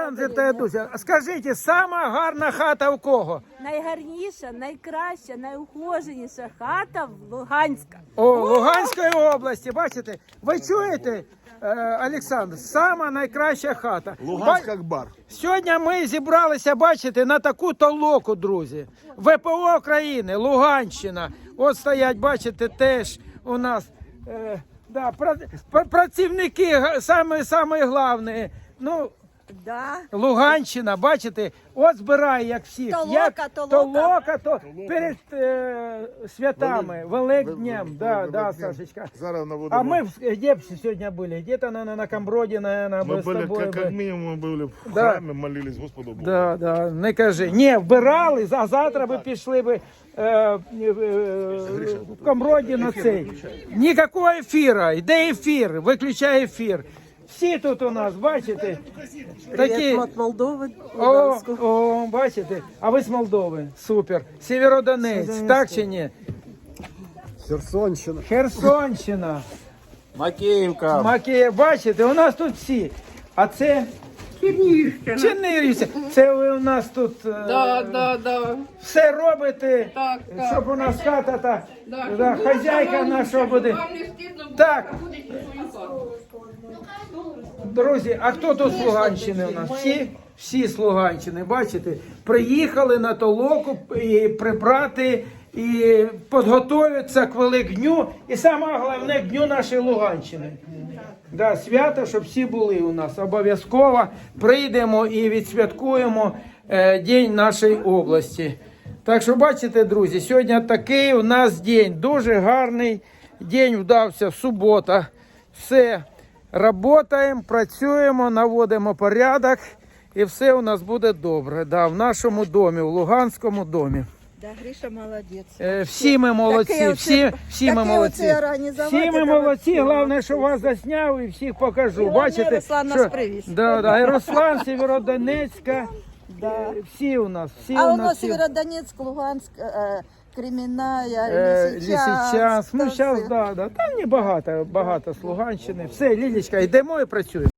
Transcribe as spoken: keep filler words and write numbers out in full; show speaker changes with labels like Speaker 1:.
Speaker 1: Олександр та Дуся, скажіть, сама гарна хата у кого?
Speaker 2: Найгарніша, найкраща, найухоженіша хата в Луганська.
Speaker 1: О, Луганської області, бачите? Ви чуєте, е, Олександр, сама найкраща хата.
Speaker 3: Луганськ
Speaker 1: Ба-
Speaker 3: як бар.
Speaker 1: Сьогодні ми зібралися, бачите, на таку толоку, друзі. ВПО України, Луганщина. От стоять, бачите, теж у нас е, да, пра- пра- працівники, га- саме, саме головне. Ну,
Speaker 2: Да.
Speaker 1: Луганщина, бачите, от збирає, як всіх.
Speaker 2: Толока,
Speaker 1: як,
Speaker 2: толока.
Speaker 1: толока, то перед е, святами, Великднем, да, да, Сашечка.
Speaker 3: Зараз на воду.
Speaker 1: А мы в- где сегодня были? Где-то, наверное, на Камброде, наверное,
Speaker 3: мы
Speaker 1: мы с
Speaker 3: были,
Speaker 1: тобой
Speaker 3: как,
Speaker 1: бы-
Speaker 3: как минимум, мы были в
Speaker 1: Да.
Speaker 3: храмі, молились Господу Богу.
Speaker 1: Да, да, не кажи. Ні, вбирали, а завтра би пішли би е, е, е, в Камброді на цей. Ніякого ефіру, йде ефір, виключай ефір. Всі тут у нас, бачите, такі...
Speaker 2: От Молдови.
Speaker 1: О, о, бачите, а ви з Молдови, супер. Сєвєродонець, так чи ні?
Speaker 3: Херсонщина.
Speaker 1: Херсонщина.
Speaker 3: Макеївка.
Speaker 1: Макія, бачите, у нас тут всі. А це Чернігівщина. Це ви у нас тут е,
Speaker 4: Да, да, да.
Speaker 1: все робите,
Speaker 4: Так, так.
Speaker 1: щоб у нас хата та
Speaker 4: Да,
Speaker 1: да,
Speaker 4: щоб
Speaker 1: хазяйка
Speaker 4: вам
Speaker 1: наша буде.
Speaker 4: Вам не стидно буде
Speaker 1: Так.
Speaker 4: приходити на свою хату.
Speaker 1: Друзі, а хто тут з Луганщини у нас? Всі? Всі з Луганщини, бачите? Приїхали на толоку і прибрати, і підготуються к Великдню, і саме головне, к Дню нашої Луганщини. Да, свято, щоб всі були у нас. Обов'язково прийдемо і відсвяткуємо е, День нашої області. Так що, бачите, друзі, сьогодні такий у нас день, дуже гарний день вдався, субота. Все, працюємо, працюємо, наводимо порядок, і все у нас буде добре. Да, в нашому домі, в Луганському домі.
Speaker 2: Да, Гриша молодець.
Speaker 1: Е, Всі ми молодці,
Speaker 2: Таке
Speaker 1: всі,
Speaker 2: оце-
Speaker 1: всі ми
Speaker 2: таке
Speaker 1: молодці.
Speaker 2: оце організувати,
Speaker 1: Всі ми
Speaker 2: це
Speaker 1: молодці,
Speaker 2: вообще
Speaker 1: головне, що вас засняв і всіх покажу.
Speaker 2: Головне,
Speaker 1: Бачите,
Speaker 2: Руслан нас привіз.
Speaker 1: Да, да, і Руслан, Сєвєродонецька,
Speaker 2: Да.
Speaker 1: е, всі у нас, всі
Speaker 2: А
Speaker 1: у
Speaker 2: у
Speaker 1: нас.
Speaker 2: нас
Speaker 1: всі.
Speaker 2: Северодонецк, Луганськ, е, Кремінная,
Speaker 1: Е,
Speaker 2: Лисичанськ.
Speaker 1: Лисичанськ, ну
Speaker 2: та
Speaker 1: зараз,
Speaker 2: все.
Speaker 1: да, да, там не багато, багато з Луганщини. Все, Лілічка, йдемо і працюємо.